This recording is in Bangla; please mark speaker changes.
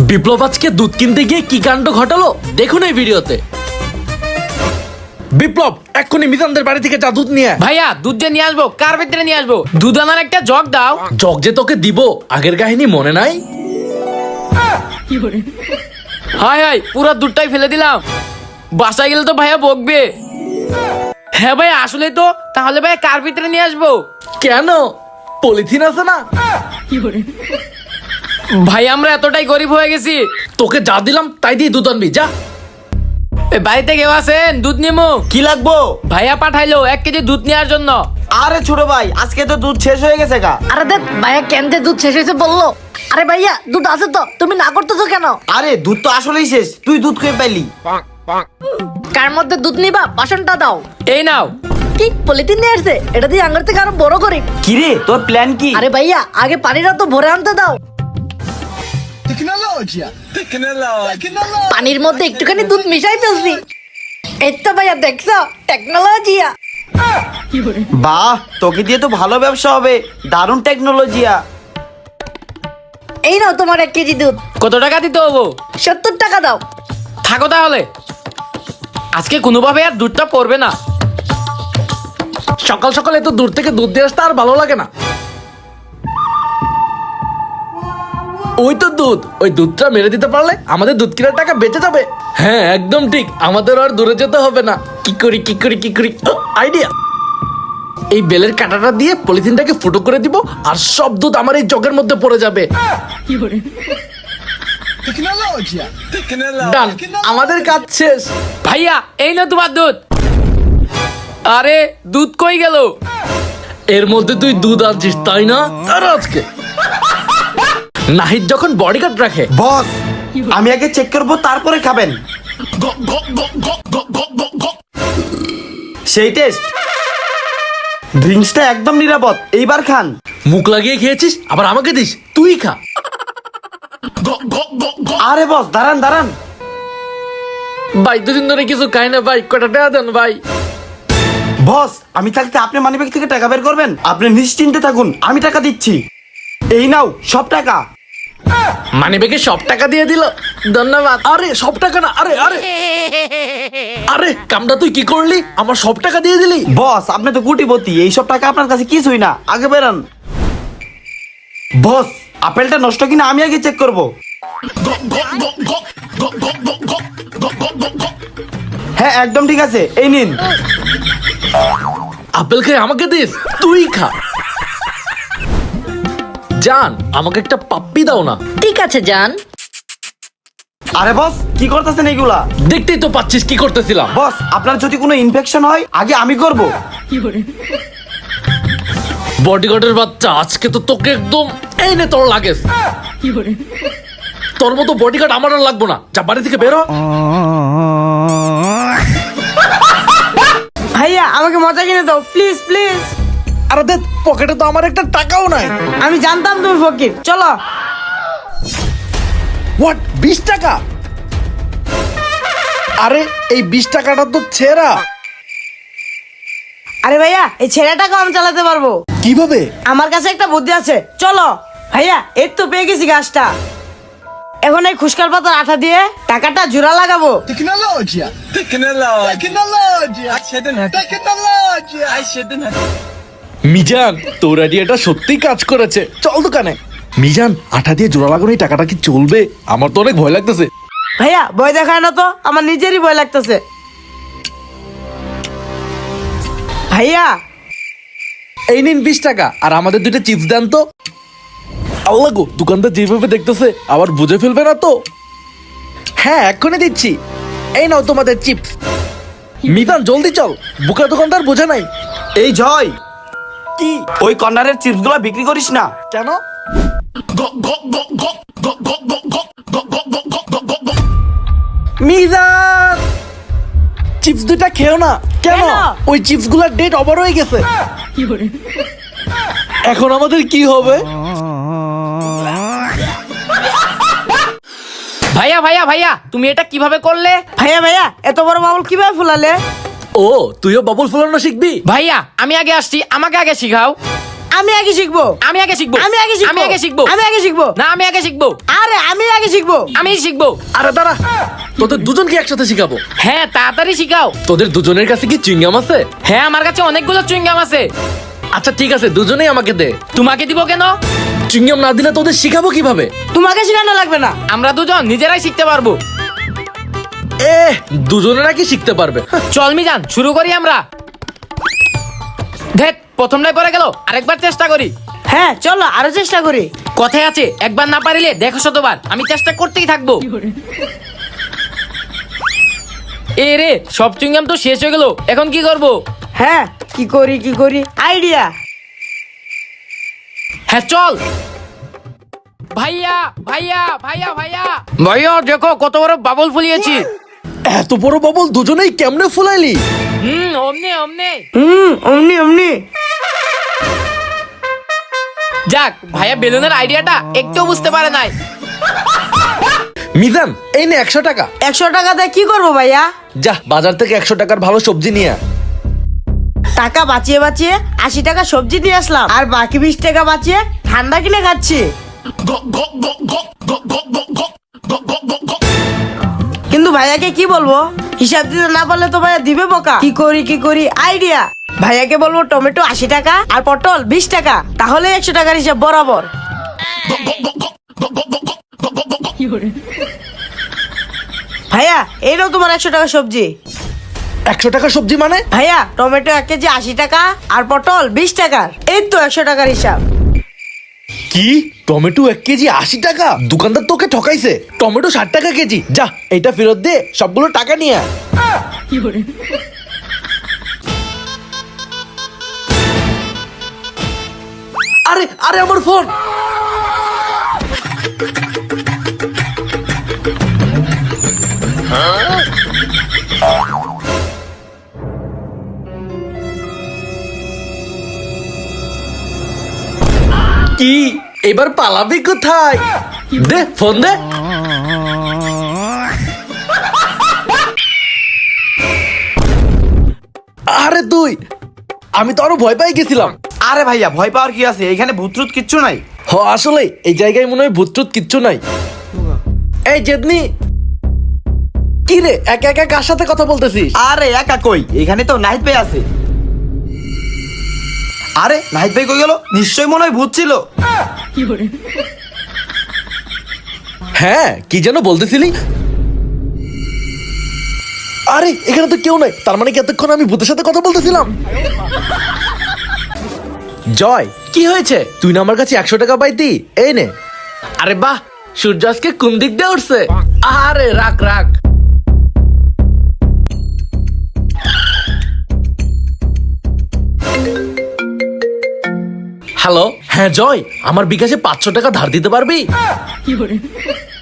Speaker 1: বিপ্লব আজকে দুধ কিনতে গিয়ে কি কাণ্ড ঘটালো দেখুন এই ভিডিওতে। বিপ্লব এক্ষুনি মিজানদের বাড়ি থেকে যা দুধ নিয়ে আয়।
Speaker 2: ভাইয়া দুধ যে নিয়ে আসবো, কার ভিতরে নিয়ে আসবো? দুধ আনার একটা জগ দাও।
Speaker 1: জগ যে তোকে দিব আগের কাহিনী মনে নাই?
Speaker 2: হাই হাই, পুরো দুধটাই ফেলে দিলাম। বাসায় গেলে তো ভাইয়া বকবে। হ্যাঁ ভাইয়া আসলে তো, তাহলে ভাইয়া কার ভিতরে নিয়ে আসবো?
Speaker 1: কেন পলিথিন আছে না?
Speaker 2: ভাই আমরা এতটাই গরিব হয়ে গেছি।
Speaker 1: তোকে যা দিলাম তাই দিয়ে দুধ আনবি যা।
Speaker 2: এ, বাড়িতে কেউ আছেন? দুধ নিমু।
Speaker 3: কি লাগবো?
Speaker 2: ভাইয়া পাঠাইলো 1 কেজি দুধ নেওয়ার জন্য।
Speaker 3: আরে ছোট ভাই, আজকে তো দুধ শেষ হয়ে গেছে গা।
Speaker 4: আরে দেখ ভাইয়া কেনতে দুধ শেষ হয়েছে বললো। আরে ভাইয়া দুধ আছে তো, তুমি না করতেছো কেন?
Speaker 3: আরে দুধ তো আসলেই শেষ, তুই দুধ খেয়ে পাইলি?
Speaker 4: কার মধ্যে দুধ নিবা বাসনটা দাও।
Speaker 2: এই নাও।
Speaker 4: কি পলিথিন নিয়ে আসছে? এটা দিয়ে আঙ্গার থেকে আরো বড় করি।
Speaker 3: কি রে তোর প্ল্যান কি?
Speaker 4: আরে ভাইয়া আগে পানিটা তো ভরে আনতে দাও। পানির মধ্যে একটুখানি দুধ মিশাই ফেলছি। এই তো ভাইয়া দেখছো টেকনোলজিয়া।
Speaker 3: বাহ, তোকে দিয়ে তো ভালো ব্যবসা হবে, দারুণ টেকনোলজিয়া।
Speaker 4: এই নাও তোমার 1 কেজি দুধ।
Speaker 2: কত টাকা দিতে হবো?
Speaker 4: 70 টাকা দাও।
Speaker 2: থাকো তাহলে, আজকে কোনোভাবে আর দুধটা পড়বে না।
Speaker 1: সকাল সকাল এত দূর থেকে দুধ দিয়ে আসতে আর ভালো লাগে না। ওই তো দুধ, ওই দুধটা মেরে দিতে পারলে আমাদের দুধ কেনার টাকা বেঁচে যাবে। হ্যাঁ একদম ঠিক, আমাদের আর দূরে যেতে হবে না। কি করি আইডিয়া। এই বেলের কাঁটাটা দিয়ে পলিথিনটাকে ফুটো করে দিব আর সব দুধ আমার এই জগের মধ্যে পড়ে যাবে। ডান, আমাদের কাজ শেষ।
Speaker 2: ভাইয়া এই না তোমার দুধ। আরে দুধ কই গেল?
Speaker 1: এর মধ্যে তুই দুধ আনছিস তাই না? আর আজকে নাহিদ যখন বডিগার্ড রাখে।
Speaker 3: বস, আমি আগে চেক করবো তারপরে খাবেন। সেই টেস্ট, ড্রিঙ্কসটা একদম নিরাপদ, এইবার খান।
Speaker 1: মুখ লাগিয়ে খেয়েছিস আবার আমাকে দিস, তুই খা।
Speaker 3: আরে বস দাঁড়ান দাঁড়ান।
Speaker 1: ভাই দুদিন ধরে কিছু খাই না ভাই, কটা টাকা দেন ভাই।
Speaker 3: বস, আমি থাকতে আপনি মানিব্যাগ থেকে টাকা বের করবেন? আপনি নিশ্চিন্তে থাকুন, আমি টাকা দিচ্ছি। এই নাও সব টাকা।
Speaker 1: মানে বেগে সব টাকা দিয়ে দিল, ধন্যবাদ। আরে সব টাকা না, আরে আরে আরে কামটা তুই কি করলি? আমার সব টাকা দিয়ে দিলি।
Speaker 3: বস আপনি তো কোটিপতি, এইসব টাকা আপনার কাছে কিছুই না, আগে বেরান। বস আপেলটা নষ্ট কিনা আমি আগে চেক করব। হ্যাঁ একদম ঠিক আছে, এই নিন।
Speaker 1: আপেল খেয়ে আমাকে দিস, তুই খা। জান আমাকে একটা পাপ্পি দাও না।
Speaker 4: ঠিক আছে জান।
Speaker 3: আরে বস কি করতেছেন এইগুলা?
Speaker 1: দেখতেই তো পাচ্ছিস কি করতেছিলাম।
Speaker 3: বস আপনার যদি কোনো ইনফেকশন হয় আগে আমি করব।
Speaker 1: বডিগার্ডের বাচ্চা, আজকে তো তোকে একদম। এই নে তোর লাগেজ। তোর মতো বডিগার্ড আমার আর লাগবো না, যা বাড়ি থেকে বেরো।
Speaker 5: ভাইয়া আমাকে মজা কিনে দাও প্লিজ প্লিজ।
Speaker 1: আরে দেখ পকেটে তো আমার একটা টাকাও নাই।
Speaker 5: আমি জানতাম তুমি ফকির, চলো।
Speaker 1: হোয়াট, 20 টাকা? আরে এই 20 টাকাটা তো ছেঁড়া।
Speaker 5: আরে ভাইয়া এই ছেলেটাকে আমি চালাতে পারবো।
Speaker 1: কিভাবে?
Speaker 5: আমার কাছে একটা বুদ্ধি আছে, চলো। ভাইয়া এই তো পেয়ে গেছি গাছটা। এখন এই খুশকার পাতার আঠা দিয়ে টাকাটা জোড়া লাগাবো।
Speaker 1: মিজান তোর আইডিয়াটা সত্যিই কাজ করেছে, চল দোকানে। মিজান আঠা দিয়ে জোড়া লাগানো এই টাকাটা কি চলবে? আমার তো অনেক ভয় লাগতেছে।
Speaker 5: ভাইয়া ভয় দেখায় না তো, আমার নিজেরই ভয় লাগতেছে। ভাইয়া
Speaker 1: এই নিন 20 টাকা, আর আমাদের 2টা চিপস দেন তো। আল্লাহ গো, দোকানদার যেভাবে দেখতেছে আবার বুঝে ফেলবে না তো? হ্যাঁ এক্ষুনি দিচ্ছি, এই নাও তোমাদের চিপস। মিজান জলদি চল, বুকা দোকানদার বোঝে নাই।
Speaker 3: এই জয়,
Speaker 1: কি?
Speaker 3: ওই কর্নারের চিপস গুলা বিক্রি করিস না।
Speaker 1: কেন? মিজান চিপস 2টা খেও না। কেন?
Speaker 5: কেন?
Speaker 1: ওই চিপস গুলার ডেট ওভার হয়ে গেছে। এখন আমাদের কি হবে?
Speaker 2: ভাইয়া ভাইয়া ভাইয়া তুমি এটা কিভাবে করলে?
Speaker 5: ভাইয়া ভাইয়া এত বড় বাবুল কিভাবে ফুলালে?
Speaker 1: ও তুইও বাবুল ফুলানো শিখবি?
Speaker 2: ভাইয়া আমি আগে আসছি, আমাকে আগে শিখাও।
Speaker 5: আমি আগে শিখবো।
Speaker 2: আমি আগে শিখবো।
Speaker 5: আমি আগে শিখবো।
Speaker 2: আমি আগে শিখবো।
Speaker 5: আমি আগে শিখবো।
Speaker 2: না, আমি আগে শিখবো।
Speaker 5: আরে আমি আগে শিখবো।
Speaker 2: আমি শিখবো।
Speaker 1: আরে দাঁড়া, তোদের দুজনকে একসাথে শিখাবো।
Speaker 2: হ্যাঁ, তাড়াতাড়ি শিখাও।
Speaker 1: তোদের দুজনের কাছে কি চুইংগাম আছে?
Speaker 2: হ্যাঁ, আমার কাছে অনেকগুলো চুইংগাম আছে।
Speaker 1: আচ্ছা ঠিক আছে, দুজনেই আমাকে দে।
Speaker 2: তোমাকে দিব কেন?
Speaker 1: চুইংগাম না দিলে তোদের শিখাবো কিভাবে?
Speaker 5: তোমাকে শেখানো লাগবে না।
Speaker 2: আমরা দুজন নিজেরাই শিখতে পারবো।
Speaker 1: দুজনে নাকি শিখতে পারবে?
Speaker 2: চল মিজান, শুরু করি আমরা। দেখ, প্রথমটাই পড়ে গেল, আরেকবার চেষ্টা করি।
Speaker 5: হ্যাঁ চলো আরো চেষ্টা করি।
Speaker 2: কথায় আছে, একবার না পারিলে দেখো শতবার। আমি চেষ্টা করতেই থাকবো। এ রে, সব চুইংগাম তো শেষ হয়ে গেল, এখন কি করব?
Speaker 5: হ্যাঁ কি করি আইডিয়া।
Speaker 2: হ্যাঁ চল। ভাইয়া ভাইয়া ভাইয়া ভাইয়া ভাইয়া, দেখো কত বড় বাবল ফুলিয়েছি।
Speaker 1: এত বড় বাবল দুজনেই কেমনে ফুলাইলি?
Speaker 2: অমনে অমনে।
Speaker 5: অমনি
Speaker 2: যাক, ভাইয়া বেলুনের আইডিয়াটা একটু বুঝতে পারে নাই।
Speaker 1: মিজান, এই নে 100 টাকা।
Speaker 5: 100 টাকাতে কি করবো ভাইয়া?
Speaker 1: যা বাজার থেকে 100 টাকার ভালো সবজি নিয়ে আয়।
Speaker 5: টাকা বাঁচিয়ে 80 টাকা সবজি দিয়ে আসলাম, আর বাকি 20 টাকা বাঁচিয়ে ঠান্ডা কিনে খাচ্ছি। কিন্তু ভাইয়াকে কি বলবো? হিসাব দিতে না পারলে তো ভাইয়া দিবে বোকা। কি করি আইডিয়া। ভাইয়াকে বলবো টমেটো 80 টাকা আর পটল 20 টাকা, তাহলে 100 টাকার হিসাব বরাবর। ভাইয়া এই নাও তোমার 100 টাকা সবজি।
Speaker 1: 100 টাকা সবজি মানে?
Speaker 5: ভাইয়া টমেটো 1 কেজি 80 টাকা আর পটল 20 টাকার, এই তো 100 টাকার হিসাব।
Speaker 1: কি? টমেটো 1 কেজি 80 টাকা? দোকানদার তোকে ঠকাইছে। টমেটো 60 টাকা কেজি। যা এটা ফেরত দে, সবগুলো টাকা নিয়ে আয়। আরে আরে আমার ফোন। কি এবার পালাবি কোথায়? দে ফোন দে। আরে তুই, আমি তো আরো ভয় পাই গেছিলাম।
Speaker 3: আরে ভাইয়া ভয় পাওয়ার কি আছে, এখানে ভূতরুত কিচ্ছু নাই।
Speaker 1: আসলে এই জায়গায় মনে হয় ভূতটুত কিচ্ছু নাই। এই জেদনি, কি রে একা একা কার সাথে কথা বলতেছিস?
Speaker 3: আরে একা কই, এখানে তো নাহিদ ভাই আছে। আরে নাহিদ ভাই কই গেল? নিশ্চয়ই মনে হয় ভূত ছিল।
Speaker 1: হ্যাঁ, কি যেন বলতেছিলি? আরে এখানে তো কেউ নাই, তার মানে কি এতক্ষণ আমি ভূতের সাথে কথা বলতেছিলাম? জয়, কি হয়েছে? তুই না আমার কাছে 100 টাকা পাইতি, এই নে। আরে বাহ, সূর্য আজকে কোন দিক দিয়ে উঠছে? আরে রাখ রাখ। হ্যালো, হ্যাঁ জয়, আমার বিকাশে 500 টাকা ধার দিতে পারবি?